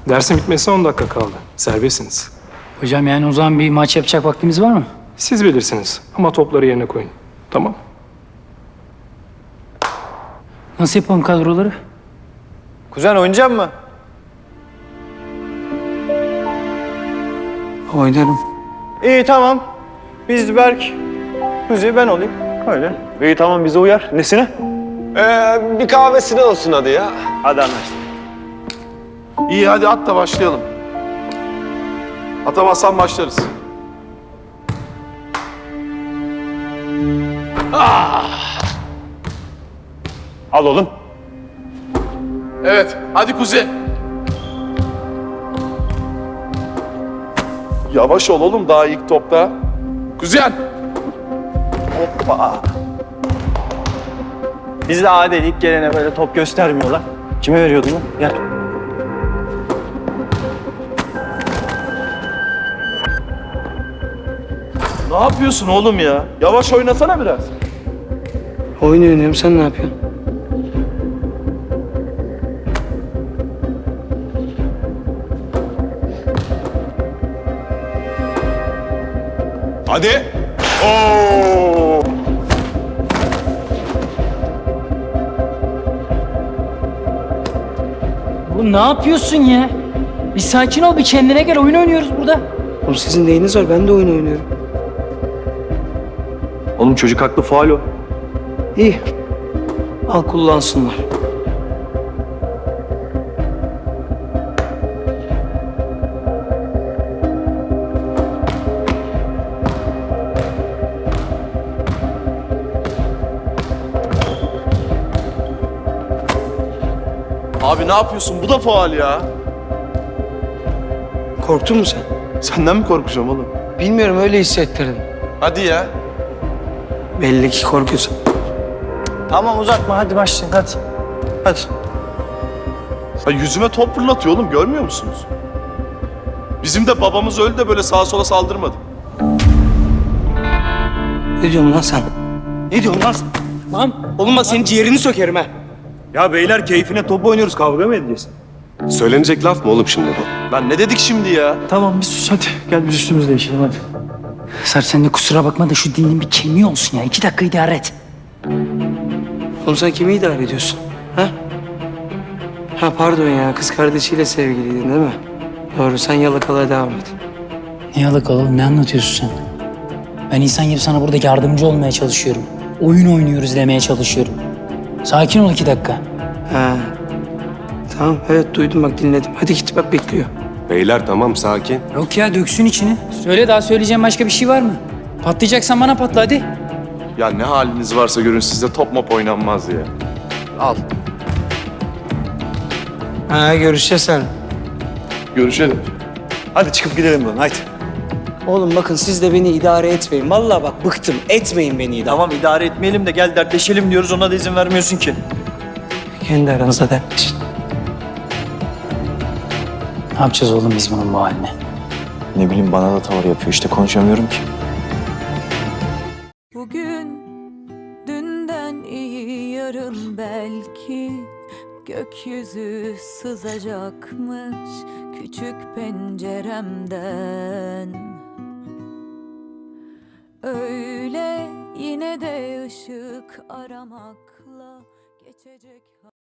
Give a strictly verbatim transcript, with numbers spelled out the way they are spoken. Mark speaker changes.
Speaker 1: Dersin bitmesine on dakika kaldı. Serbestsiniz.
Speaker 2: Hocam yani o zaman bir maç yapacak vaktimiz var mı?
Speaker 1: Siz bilirsiniz ama topları yerine koyun. Tamam.
Speaker 2: Nasıl yapalım kadroları?
Speaker 3: Kuzen oynayacak mı?
Speaker 4: Oynarım.
Speaker 3: İyi tamam. Biz Berk, Kuzi ben olayım. Öyle.
Speaker 5: İyi tamam bize uyar. Nesine?
Speaker 6: Ee, bir kahvesine olsun hadi ya.
Speaker 3: Hadi anlaştık.
Speaker 7: İyi hadi at da başlayalım. Atamazsan başlarız.
Speaker 5: Al oğlum.
Speaker 7: Evet hadi Kuzi. Yavaş ol oğlum daha ilk topta. Kuzen.
Speaker 3: Hoppa. Biz de adil ilk gelene böyle top göstermiyorlar. Kime veriyordun lan? Gel.
Speaker 7: Ne yapıyorsun oğlum ya? Yavaş oynasana biraz.
Speaker 4: Oyun oynuyorum, sen ne yapıyorsun?
Speaker 6: Hadi. Oo.
Speaker 2: Oğlum ne yapıyorsun ya? Bir sakin ol, bir kendine gel. Oyun oynuyoruz burada.
Speaker 4: Oğlum sizin neyiniz var? Ben de oyun oynuyorum.
Speaker 5: Oğlum çocuk haklı faul o.
Speaker 4: İyi. Al kullansınlar.
Speaker 7: Abi ne yapıyorsun? Bu da faul ya.
Speaker 4: Korktun mu sen?
Speaker 7: Senden mi korkacağım oğlum?
Speaker 4: Bilmiyorum, öyle hissettirdim.
Speaker 7: Hadi ya.
Speaker 4: Belli ki korkuyorsun.
Speaker 3: Tamam uzatma hadi başlayın hadi. Hadi.
Speaker 7: Ha, yüzüme top fırlatıyor oğlum görmüyor musunuz? Bizim de babamız öldü de böyle sağa sola saldırmadı.
Speaker 4: Ne diyorsun lan sen? Ne diyorsun lan sen? Lan oğlum bak senin ciğerini sökerim ha.
Speaker 5: Ya beyler keyfine top oynuyoruz kavga mı edeceğiz?
Speaker 6: Söylenecek laf mı oğlum şimdi bu?
Speaker 7: Lan ne dedik şimdi ya?
Speaker 2: Tamam bir sus hadi. Gel biz üstümüzü değişelim hadi. Sarp sen de kusura bakma da şu dilin bir kemiği olsun ya. İki dakika idare et.
Speaker 4: Oğlum sen kimi idare ediyorsun? Ha? Ha pardon ya, kız kardeşiyle sevgiliydin değil mi? Doğru, sen yalakalığa devam et.
Speaker 2: Ne yalakalı oğlum, ne anlatıyorsun sen? Ben insan gibi sana burada yardımcı olmaya çalışıyorum. Oyun oynuyoruz demeye çalışıyorum. Sakin ol iki dakika.
Speaker 4: Ha. Tamam, evet duydum bak, dinledim. Hadi git bak, bekliyor.
Speaker 6: Beyler tamam sakin.
Speaker 2: Yok ya, döksün içini. Söyle, daha söyleyeceğim başka bir şey var mı? Patlayacaksan bana patla hadi.
Speaker 7: Ya ne haliniz varsa görün sizde top mop oynanmaz ya. Al.
Speaker 4: Ha, görüşeceğiz sen.
Speaker 7: Görüşelim.
Speaker 5: Hadi çıkıp gidelim buradan haydi.
Speaker 4: Oğlum bakın, siz de beni idare etmeyin. Vallahi bak bıktım. Etmeyin beni idare.
Speaker 3: Tamam idare etmeyelim de gel dertleşelim diyoruz ona da izin vermiyorsun ki.
Speaker 4: Kendi aranızda dertleşin.
Speaker 2: Ne yapacağız oğlum biz bunun bu haline?
Speaker 5: Ne bileyim bana da tavır yapıyor işte konuşamıyorum ki.
Speaker 8: Bugün dünden iyi yarın belki gökyüzü sızacakmış küçük penceremden. Öyle yine de ışık aramakla geçecek.